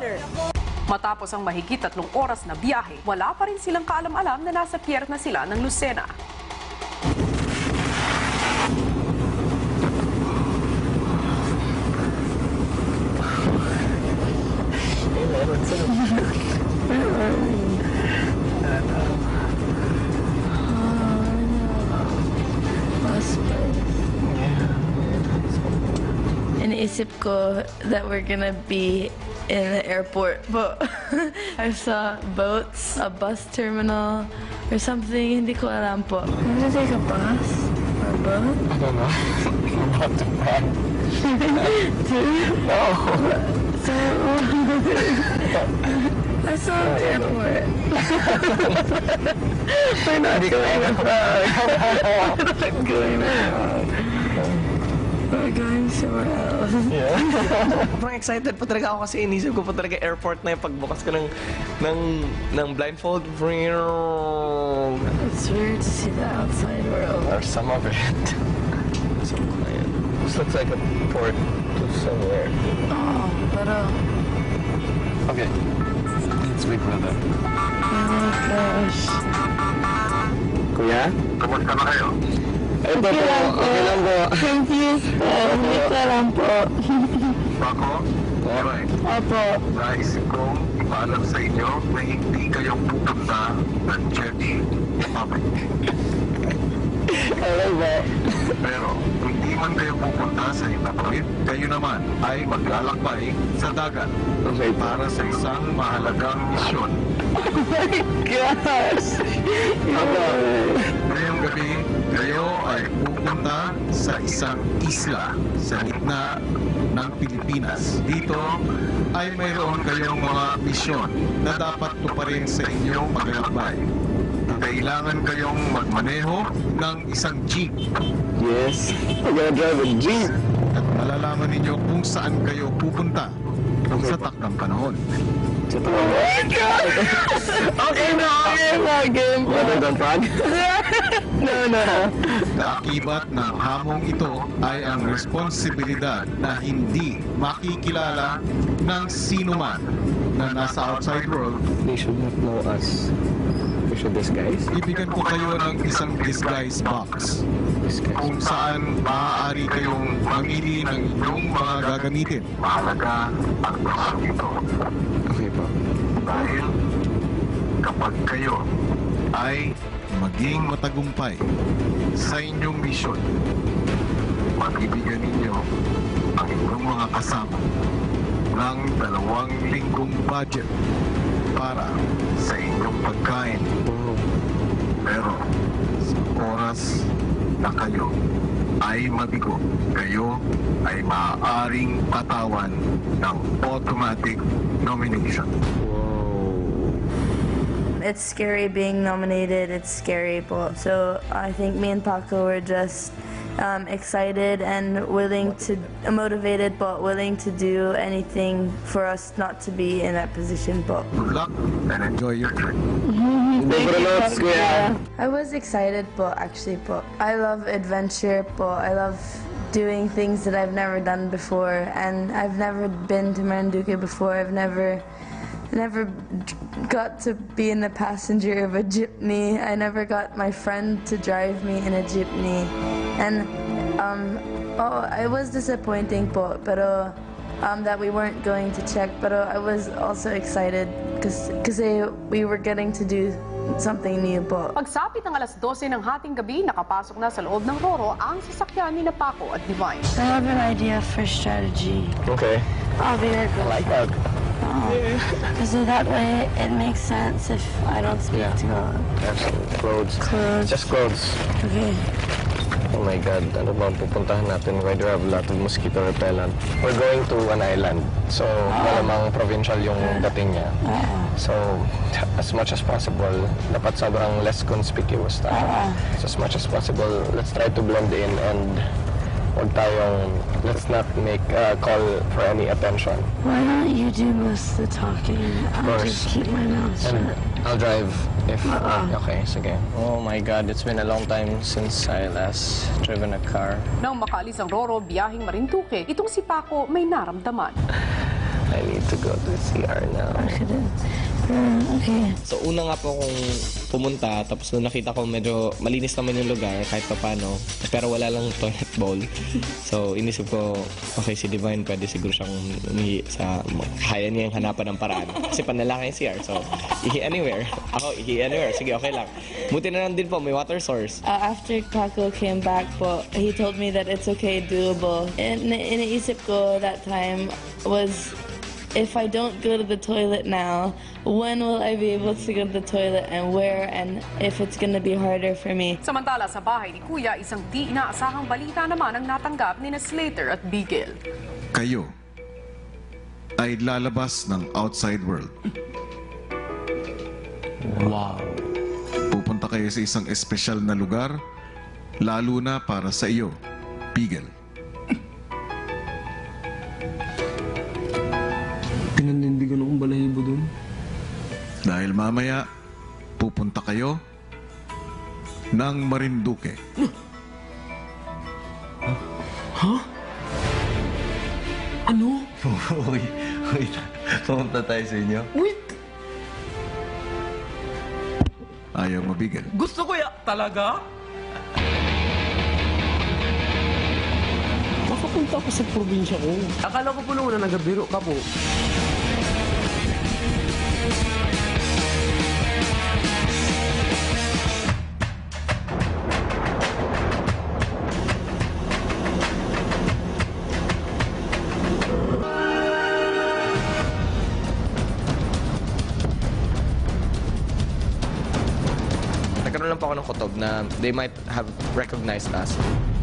Father. Matapos ang mahigit 3 oras na biyahe, wala pa rin silang kaalam-alam na nasa pier na sila ng Lucena. Iniisip ko that we're gonna be in the airport, but I saw boats, a bus terminal, or something. Hindi ko alam po. I'm gonna take a bus or a boat. I don't know. I'm about to cry. No. So, I saw the airport. We're not going abroad. We're not going abroad. We're going somewhere else. Yeah. Parang excited po talaga ako kasi inisip ko po talaga airport na yung pagbukas ko ng blindfold. It's weird to see the outside world. Or some of it. Some quiet. This looks like a port to somewhere. Oh, pero... Okay. Let's wait for them. Oh my gosh. Kuya? Kamusta na kayo? Ito po. Okay lang po. Confused po. Hindi ko alam po. Bako? Alright. Opo. Naisip kong ipaalam sa inyo na hindi kayo pupunta ng church mamaya. Okay po. Pero kung di man kayo pupunta sa Itapawid, kayo naman ay maglalakbay sa dagat Okay po. para sa isang mahalagang misyon. Oh my gosh! Ngayong gabi, kayo ay pupunta sa isang isla sa gitna ng Pilipinas. Dito ay mayroon kayong mga misyon na dapat tuparin sa inyong paglalakbay. Kailangan kayong magmaneho ng isang jeep Yes. I'm gonna drive a jeep. at malalaman ninyo kung saan kayo pupunta sa takdang panahon. Oh my God! Okay na, game. Don't frog? No. Kaakibat ng hamong ito ay ang responsibilidad na hindi makikilala ng sinuman na nasa outside world. They should not know us. We should disguise. Ibigyan ko kayo ng isang disguise box kung saan maaari kayong mamili ng inyong mga gagamitin. Mahalaga ang misyon ito. Okay po. Dahil kapag kayo ay maging matagumpay sa inyong misyon, mabibigyan ninyo ang inyong mga kasama ng 2 linggong budget para sa inyong pagkain. Pero sa oras na kayo ay mabigo, kayo ay maaaring patawan ng automatic nomination. It's scary being nominated. It's scary po. So I think me and Paco were just excited and motivated, but willing to do anything for us not to be in that position po. Good luck and enjoy your trip. I was excited po, actually po. I love adventure po. I love doing things that I've never done before, and I've never been to Marinduque before. I've never got to be in the passenger of a jeepney. I never got my friend to drive me in a jeepney. And it was disappointing po, pero that we weren't going to check, pero I was also excited because we were getting to do something new po. Pagsapit ng alas 12 ng hating gabi, nakapasok na sa loob ng Roro ang sasakyan ni Paco at Divine. I have an idea for strategy. Okay. I'll be right I back. like that. Because that way it makes sense if I don't speak Yeah. to God. Absolutely. Clothes. Clothes. Just clothes. Okay. Oh my God, ano ba ang pupuntahan natin? Why do we have a lot of mosquito repellent? We're going to an island. So, malamang provincial yung dating niya. So, as much as possible, dapat sobrang less conspicuous tayo. So, as much as possible, let's try to blend in and let's not make a call for any attention. Why don't you do most of the talking? I'll just keep my mouth shut. And I'll drive if... Okay, sige. Oh my God, it's been a long time since I last driven a car. Nang makaalis ang Roro biyaheng Marinduque, itong si Paco may naramdaman. I need to go to CR now. Okay. So una nga po akong pumunta, tapos nung nakita ko medyo malinis naman yung lugar kahit pa paano, pero wala lang toilet bowl. So inisip ko, okay, si Divine pwede siguro siyang umihi sa, kaya niya yung hanapan ng paraan. Kasi panlalaki yung CR, so ihi anywhere. Ako, ihi anywhere. Sige, okay lang. Buti na lang din po, may water source. After Paco came back po, he told me that it's okay, doable. And iniisip ko that time was, if I don't go to the toilet now, when will I be able to go to the toilet and where, and if it's gonna be harder for me. Samantala sa bahay ni Kuya, isang di inaasahang balita naman ang natanggap ni Slater at Bigel. Kayo ay lalabas ng outside world. Wow. Pupunta kayo sa isang espesyal na lugar, lalo na para sa iyo, Bigel. Pinanindigan akong balahibo dun. Dahil mamaya, pupunta kayo ng Marinduque. Ano? Wait. Pumunta tayo sa inyo. Wait! Ayaw mo, Bigel. Gusto ko ya talaga? Makapunta ako sa probinsya ko. Akala ko po nung una nagabiro ka po. Nagkaroon lang po ako ng kutob na they might have recognized us.